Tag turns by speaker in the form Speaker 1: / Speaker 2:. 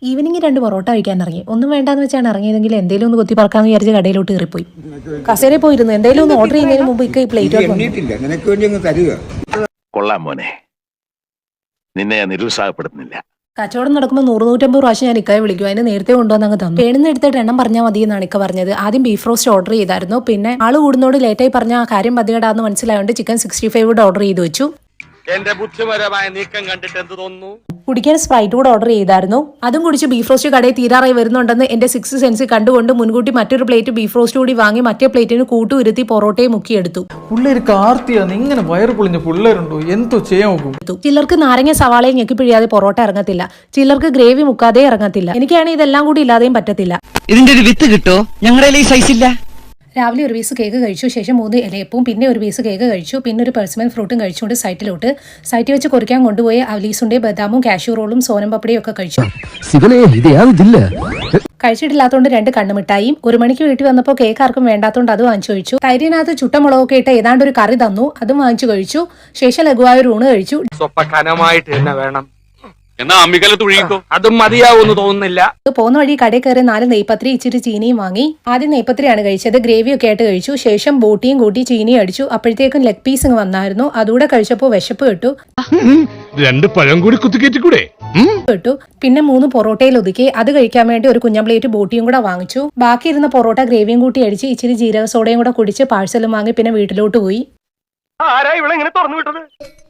Speaker 1: Evening 2 parotta കഴിക്കാൻ ഇറങ്ങി. ഒന്നും വേണ്ടാന്ന് വെച്ചാണ് ഇറങ്ങിയതെങ്കിൽ എന്തെങ്കിലും ഒന്ന് കുത്തി പറക്കാന്ന് വിചാരിച്ച് കടയിലോട്ട് കയറിപ്പോയി. കസേരയിൽ പോയിരുന്നു. എന്തെങ്കിലും ഒന്ന് ഓർഡർ ചെയ്യുന്നതിന് മുമ്പ് ഈ പ്ലേറ്റ്
Speaker 2: കൊള്ളാം മോനെ, നിന്നെ നിരുത്സാഹപ്പെടുത്തുന്നില്ല.
Speaker 1: കച്ചവടം നടക്കുമ്പോൾ 100-150 പ്രാവശ്യം ഞാൻ ഇക്കയെ വിളിക്കും. അതിന് നേരത്തെ കൊണ്ടുവന്ന് അങ്ങ് തന്നു. പേടുന്ന എടുത്തിട്ട് എണ്ണം പറഞ്ഞാൽ മതി എന്നാണ് ഇക്ക പറഞ്ഞത്. ആദ്യം ബീഫ് റോസ്റ്റ് ഓർഡർ ചെയ്തായിരുന്നു. പിന്നെ ആള് കൂടുന്നോട് ലേറ്റായി പറഞ്ഞ ആ കാര്യം പതികടാന്ന് മനസ്സിലായതുകൊണ്ട് ചിക്കൻ 65 കൂടെ ഓർഡർ ചെയ്ത് വെച്ചു.
Speaker 3: എന്റെ ബുദ്ധിപരമായ നീക്കം കണ്ടിട്ട് എന്ത് തോന്നുന്നു?
Speaker 1: കുടിക്കാൻ സ്പ്രൈറ്റ് കൂടെ ഓർഡർ ചെയ്തായിരുന്നു. അതും കുടിച്ച് ബീഫ് റോസ്റ്റ് കടയിൽ തീരാറായി വരുന്നുണ്ടെന്ന് എന്റെ 6th സെൻസ് കണ്ടുകൊണ്ട് മുൻകൂട്ടി മറ്റൊരു പ്ലേറ്റ് ബീഫ് റോസ്റ്റ് കൂടി വാങ്ങി മറ്റേ പ്ലേറ്റിന് കൂട്ടുരുത്തി പൊറോട്ടയെ മുക്കിയെടുത്തു.
Speaker 4: ഇങ്ങനെ വയറ് പൊളിഞ്ഞ പിള്ളേരുണ്ടോ? എന്തോ ചെയ്യാൻ നോക്കും.
Speaker 1: ചിലർക്ക് നാരങ്ങ സവാളയും ഞെക്കി പിഴിയാതെ പൊറോട്ട ഇറങ്ങത്തില്ല. ചിലർക്ക് ഗ്രേവി മുക്കാതെ ഇറങ്ങത്തില്ല. എനിക്കാണെങ്കിൽ ഇതെല്ലാം കൂടി ഇല്ലാതെയും പറ്റത്തില്ല.
Speaker 5: ഇതിന്റെ ഒരു വിത്ത് കിട്ടോ? ഞങ്ങളുടെ സൈസ് ഇല്ല.
Speaker 1: രാവിലെ ഒരു പീസ് കേക്ക് കഴിച്ചു. ശേഷം 3 ഇലയപ്പവും പിന്നെ ഒരു പീസ് കേക്ക് കഴിച്ചു. പിന്നെ ഒരു പെർസിമൻ ഫ്രൂട്ടും കഴിച്ചുകൊണ്ട് സൈറ്റിൽ വെച്ച് കൊറിക്കാൻ കൊണ്ടുപോയി അവലീസുണ്ട് ബദാമും കാഷ്യൂ റോളും സോനം പപ്പടിയും ഒക്കെ കഴിച്ചു. കഴിച്ചിട്ടില്ലാത്തതുകൊണ്ട് 2 കണ്ണുമിഠായിയും. 1 മണിക്ക് വീട്ടിൽ വന്നപ്പോൾ കേക്ക് ആർക്കും വേണ്ടാത്തതുകൊണ്ട് അത് വാങ്ങിച്ചു കഴിച്ചു. തൈരിനകത്ത് ചുട്ടമുളകൊക്കെ ഇട്ട് ഏതാണ്ട് ഒരു കറി തന്നു. അതും വാങ്ങിച്ചു കഴിച്ചു. ശേഷം ലഘുവായ ഒരു ഊണ് കഴിച്ചു.
Speaker 3: വേണം എന്നാ അമ്മിക്കലത്ത് ഒഴുകിക്കോ. അതും മതിയാവൂന്ന് തോന്നുന്നില്ല.
Speaker 1: പോകുന്ന വഴി കടയിൽ കയറി 4 നെയ്പത്രി ഇച്ചിരി ചീനിയും വാങ്ങി. ആദ്യം നെയ്പത്രിയാണ് കഴിച്ചത്. ഗ്രേവി ഒക്കെ ആയിട്ട് കഴിച്ചു. ശേഷം ബോട്ടിയും കൂട്ടി ചീനിയും അടിച്ചു. അപ്പോഴത്തേക്കും ലെഗ് പീസ് വന്നായിരുന്നു. അതുകൂടെ കഴിച്ചപ്പോൾ വിശപ്പ് കിട്ടു.
Speaker 2: 2 പഴം കൂടി കുത്തിക്കേറ്റിക്കൂടെ?
Speaker 1: പിന്നെ 3 പൊറോട്ടയിൽ ഒതുക്കി. അത് കഴിക്കാൻ വേണ്ടി ഒരു കുഞ്ഞൻ പ്ലേറ്റ് ബോട്ടിയും കൂടെ വാങ്ങിച്ചു. ബാക്കി ഇരുന്ന പൊറോട്ട ഗ്രേവിയും കൂട്ടി അടിച്ച് ഇച്ചിരി ജീരക സോഡയും കൂടെ കുടിച്ച് പാഴ്സലും വാങ്ങി പിന്നെ വീട്ടിലോട്ട് പോയി.
Speaker 3: ആരാ ഇവിടെ ഇങ്ങനെ തുറന്നു വിട്ടത്?